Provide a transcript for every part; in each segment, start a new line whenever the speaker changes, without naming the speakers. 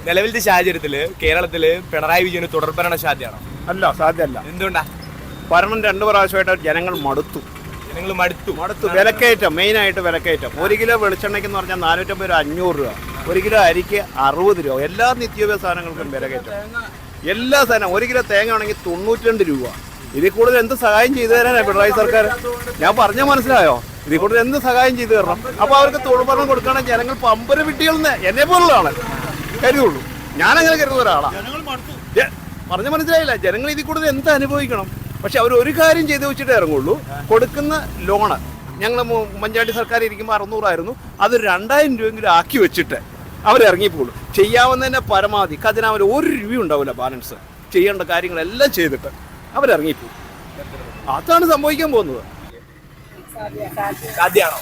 നിലവിലത്തെ സാഹചര്യത്തില് കേരളത്തില് പിണറായി വിജയന് തുടർഭരണ സാധ്യമാണോ?
അല്ല, സാധ്യമല്ല.
എന്തുകൊണ്ടാ?
ഭരണം 2 പ്രാവശ്യമായിട്ട് ജനങ്ങൾ മടുത്തു.
ജനങ്ങൾ മടുത്തു.
വിലക്കയറ്റം, മെയിനായിട്ട് വിലക്കയറ്റം. 1 കിലോ വെളിച്ചെണ്ണയ്ക്ക് എന്ന് പറഞ്ഞാൽ 450 രൂപ, 500 രൂപ. 1 കിലോ അരിക്ക് 60 രൂപ. എല്ലാ നിത്യോപയോഗ സാധനങ്ങൾക്കും വിലക്കയറ്റം. എല്ലാ സാധനം. 1 കിലോ തേങ്ങ ആണെങ്കിൽ 92 രൂപ. ഇതിൽ കൂടുതൽ എന്ത് സഹായം ചെയ്തു തരാനാണ് പിണറായി സർക്കാർ? ഞാൻ പറഞ്ഞാൽ മനസ്സിലായോ? ഇതിൽ കൂടുതൽ എന്ത് സഹായം ചെയ്തു തരണം? അപ്പോൾ അവർക്ക് തൊഴിൽഭരണം കൊടുക്കുകയാണെങ്കിൽ ജനങ്ങൾ പമ്പര വിട്ടികളെന്ന് എന്നെ പോലുള്ളതാണ് കരുതുള്ളൂ. ഞാനങ്ങനെ കരുതുന്ന ഒരാളാണ്. പറഞ്ഞ മനസ്സിലായില്ല. ജനങ്ങൾ ഇതിൽ കൂടുതൽ എന്ത് അനുഭവിക്കണം? പക്ഷെ അവർ ഒരു കാര്യം ചെയ്ത് വെച്ചിട്ട് ഇറങ്ങുള്ളൂ. കൊടുക്കുന്ന ലോണ് ഞങ്ങൾ ഉമ്മൻചാണ്ടി സർക്കാർ ഇരിക്കുമ്പോൾ 600 ആയിരുന്നു. അത് 2000 രൂപയെങ്കിലും ആക്കി വെച്ചിട്ട് അവരിറങ്ങിപ്പോളും. ചെയ്യാവുന്നതിൻ്റെ പരമാവധി ഖജനാവിൽ 1 രൂപ ഉണ്ടാവില്ല ബാലൻസ്. ചെയ്യേണ്ട കാര്യങ്ങളെല്ലാം ചെയ്തിട്ട് അവരിറങ്ങിപ്പോകും. അതാണ് സംഭവിക്കാൻ പോകുന്നത്.
സാധ്യമാണോ?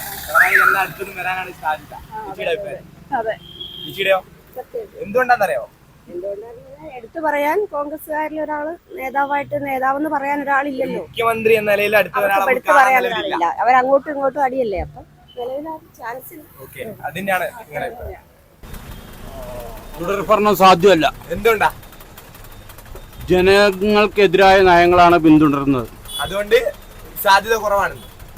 എന്തുകൊണ്ടാണെന്നറിയോ?
എടുത്തു പറയാൻ കോൺഗ്രസ്സുകാരിൽ ഒരാള് നേതാവെന്ന് പറയാൻ ഒരാളില്ലല്ലോ.
മുഖ്യമന്ത്രി എന്ന നിലയിൽ
എടുത്തു പറയാൻ ഒരാളില്ല. അവരങ്ങോട്ടും ഇങ്ങോട്ടും അടിയല്ലേ. അപ്പൊ ചാൻസ്
അതിന്റെയാണ്
തുടർഭരണം സാധ്യമല്ല.
എന്തുകൊണ്ടാ?
ജനങ്ങൾക്കെതിരായ നയങ്ങളാണ് പിന്തുടരുന്നത്.
അതുകൊണ്ട് സാധ്യത കുറവാണ്.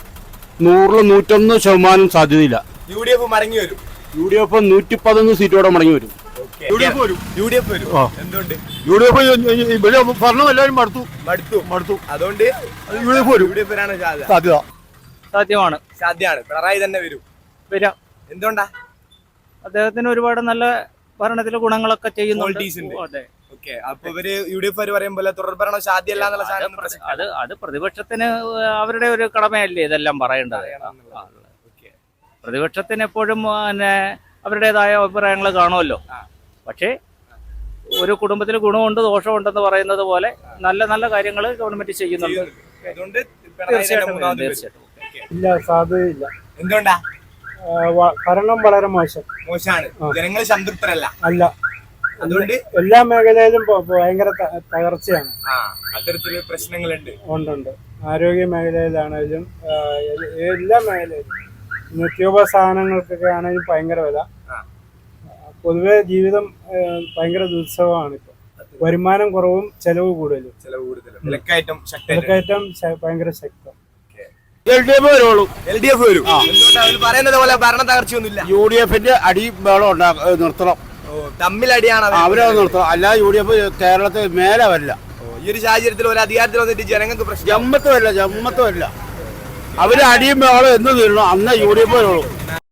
100-101% സാധ്യതയില്ല.
UDF മടങ്ങി വരും.
UDF 111 സീറ്റോടെ മടങ്ങി വരും.
UDF വരും. എന്തുകൊണ്ട്?
UDF ഭരണം എല്ലാവരും മടുത്തു.
അതുകൊണ്ട് UDF വരാണ്
സാധ്യമാണ്.
സാധ്യമാണ്. പിണറായി തന്നെ വരാം. എന്തുകൊണ്ടാ?
അദ്ദേഹത്തിന് ഒരുപാട് നല്ല ഭരണത്തിലെ ഗുണങ്ങളൊക്കെ ചെയ്യുന്നുണ്ട്.
അപ്പൊ ഇവര് UDF പറയുമ്പോൾ തുടർഭരണം സാധ്യമല്ല എന്നുള്ള സാധനം
അത് പ്രതിപക്ഷത്തിന് അവരുടെ ഒരു കടമയല്ലേ ഇതെല്ലാം പറയേണ്ടത്. പ്രതിപക്ഷത്തിന് എപ്പോഴും പിന്നെ അവരുടേതായ അഭിപ്രായങ്ങൾ കാണുമല്ലോ. പക്ഷേ ഒരു കുടുംബത്തിൽ ഗുണമുണ്ട് ദോഷമുണ്ടെന്ന് പറയുന്നത് പോലെ നല്ല നല്ല കാര്യങ്ങൾ ഗവൺമെന്റ് ചെയ്യുന്നുണ്ട്.
തീർച്ചയായിട്ടും.
ഇല്ല, സാധ്യതയില്ല.
എന്തുകൊണ്ടാ?
ഭരണം വളരെ
മോശമാണ്. ജനങ്ങൾ സംതൃപ്തരല്ല.
അല്ല,
അതുകൊണ്ട്
എല്ലാ മേഖലയിലും ഭയങ്കര തകർച്ചയാണ്.
അത്തരത്തില് പ്രശ്നങ്ങളുണ്ട്.
ഉണ്ട്. ആരോഗ്യ മേഖലയിലാണെങ്കിലും എല്ലാ മേഖലയിലും നിത്യോപയോഗ സാധനങ്ങൾക്കൊക്കെ ആണെങ്കിലും ഭയങ്കര വില. പൊതുവെ ജീവിതം ഭയങ്കര ദുസ്സഹമാണ്. ഇപ്പൊ വരുമാനം കുറവും ചെലവ് കൂടുതലും.
വിലക്കയറ്റം
ഭയങ്കര ശക്തം.
LDF വരുള്ളൂ.
LDF വരും. പറയുന്നത് പോലെ ഭരണ തകർച്ചയൊന്നുമില്ല.
UDFന്റെ അടി ബഹളം നിർത്തണം.
തമ്മിലടിയാണ്
അവരെ നിർത്തണം. അല്ല UDF കേരളത്തിൽ മേലെ വരില്ല.
ഈ ഒരു സാഹചര്യത്തിൽ ഒരു അധികാരത്തിൽ വന്നിട്ട് ജനങ്ങൾക്ക് പ്രശ്നം
ജമ്മത്ത് വരില്ല. അവര് അടിയും ബഹളം എന്ന് തീരണം. അന്ന് UDF വരുള്ളൂ.